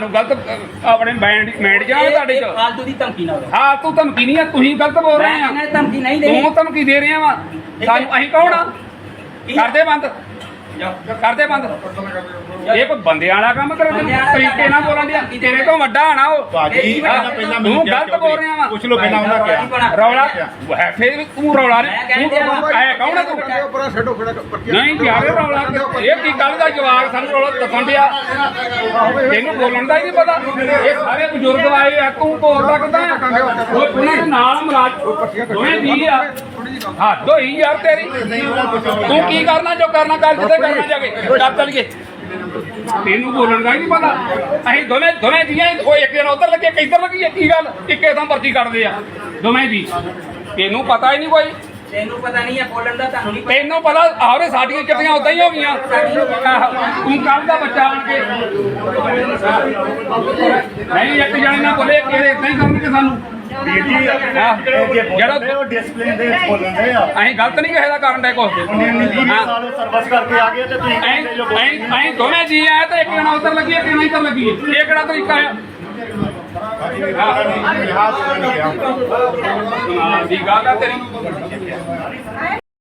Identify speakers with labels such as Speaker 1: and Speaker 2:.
Speaker 1: ਸਾਨੂੰ ਗਲਤ ਆਪਣੇ ਮਾਈਂਡ ਜਾ ਤੁਹਾਡੇ ਚ
Speaker 2: ਫਾਲਤੂ ਦੀ ਧਮਕੀ ਨਾ
Speaker 1: ਹਾਂ ਤੂੰ ਧਮਕੀ ਨਹੀਂ ਆ ਤੁਸੀਂ ਗਲਤ ਬੋਲ ਰਹੇ ਆ
Speaker 2: ਮੈਂ ਧਮਕੀ ਨਹੀਂ ਦੇਣੀ
Speaker 1: ਤੂੰ ਧਮਕੀ ਦੇ ਰਿਹਾ ਵਾ ਸਾਨੂੰ ਅਸੀਂ ਕੌਣ ਆ ਕਰਦੇ ਬੰਦ ਕਰਦੇ ਬੰਦ ਇਹ ਕੋਈ ਬੰਦਿਆਂ ਵਾਲਾ ਕੰਮ ਕਰ ਤਰੀਕੇ ਨਾਲ ਬੋਲਣ ਦਿਆ ਤੇਰੇ ਤੋਂ ਵੱਡਾ ਆਣਾ ਉਹ ਤੂੰ ਗਲਤ ਬੋਲ ਰਿਹਾ ਵਾ
Speaker 3: ਪੁੱਛ ਲੋ ਪਹਿਲਾਂ ਉਹਨਾਂ ਕਿਹਾ
Speaker 1: ਰੌਲਾ ਹੈ ਫੇਰ ਤੂੰ ਰੌਲਾ ਐ ਕੌਣ ਆ ਤੂੰ ਨਹੀਂ ਯਾਰ ਰੌਲਾ ਇਹ ਕੀ ਗੱਲ ਦਾ ਜਵਾਬ ਸਾਨੂੰ ਰੌਲਾ ਦੱਸਣ ਦਿਆ ਤੈਨੂੰ ਬੋਲਣ ਦਾ ਹੀ ਨਹੀਂ ਪਤਾ ਇਹ ਸਾਰੇ ਬਜ਼ੁਰਗ ਆਏ ਆ ਤੂੰ ਬੋਲਦਾ ਕਿੱਦਾਂ ਉਹ ਉਹਨਾਂ ਦੇ ਨਾਲ ਮਰਾਜ ਦੋਵੇਂ ਜੀ ਆ ਹੱਦ ਹੋਈ ਯਾਰ ਤੇਰੀ ਤੂੰ ਕੀ ਕਰਨਾ ਜੋ ਕਰਨਾ ਕਰ ਜਿੱਥੇ ਕਰਨਾ ਜਾ ਕੇ ਚੱਲ ਚਲੀਏ ਤੈਨੂੰ ਬੋਲਣ ਦਾ ਹੀ ਨਹੀਂ ਪਤਾ ਅਸੀਂ ਦੋਵੇਂ ਜੀਆਂ ਉਹ ਇੱਕ ਜਣਾ ਉਧਰ ਲੱਗੇ ਕਿੱਧਰ ਲੱਗੀ ਕੀ ਗੱਲ ਇੱਕੇ ਥਾਂ ਭਰਤੀ ਕਰਦੇ ਆ ਦੋਵੇਂ ਜੀ ਤੈਨੂੰ ਪਤਾ ਹੀ ਨਹੀਂ ਕੋਈ
Speaker 2: ਤੈਨੂੰ ਪਤਾ ਨਹੀਂ ਹੈ ਬੋਲਣ ਦਾ ਤੁਹਾਨੂੰ ਨਹੀਂ
Speaker 1: ਤੈਨੂੰ ਪਤਾ ਆਹਰੇ ਸਾਡੀਆਂ ਚਿੱਟੀਆਂ ਉਦਾਂ ਹੀ ਹੋ ਗਈਆਂ ਤੂੰ ਕੱਲ ਦਾ ਬੱਚਾ ਆਣ ਕੇ ਨਹੀਂ ਇੱਕ ਜਣੇ ਨਾਲ ਬੋਲੇ ਕਿਹੜੇ ਇਦਾਂ ਹੀ ਕਰਨਗੇ ਸਾਨੂੰ
Speaker 3: ਜਿਹੜਾ ਡਿਸਪਲਿਨ ਦੇ ਵਿੱਚ ਬੋਲਣ ਦੇ ਆ
Speaker 1: ਅਸੀਂ ਗਲਤ ਨਹੀਂ ਕਿਸੇ ਦਾ ਕਰਨ ਦੇ ਕੁਛ
Speaker 3: ਸਾਲ ਸਰਵਿਸ ਕਰਕੇ ਆ ਗਏ ਤੇ ਤੁਸੀਂ
Speaker 1: ਅਸੀਂ ਦੋਵੇਂ ਜੀ ਆਏ ਤੇ ਇੱਕ ਜਣਾ ਉਧਰ ਲੱਗੀ ਇੱਕ ਜਣਾ ਇੱਧਰ ਲੱਗੀ ਇਹ ਕਿਹੜਾ ਤਰੀਕਾ ਹੈ ਦੀ ਗੱਲ ਆ ਤੇਰੀ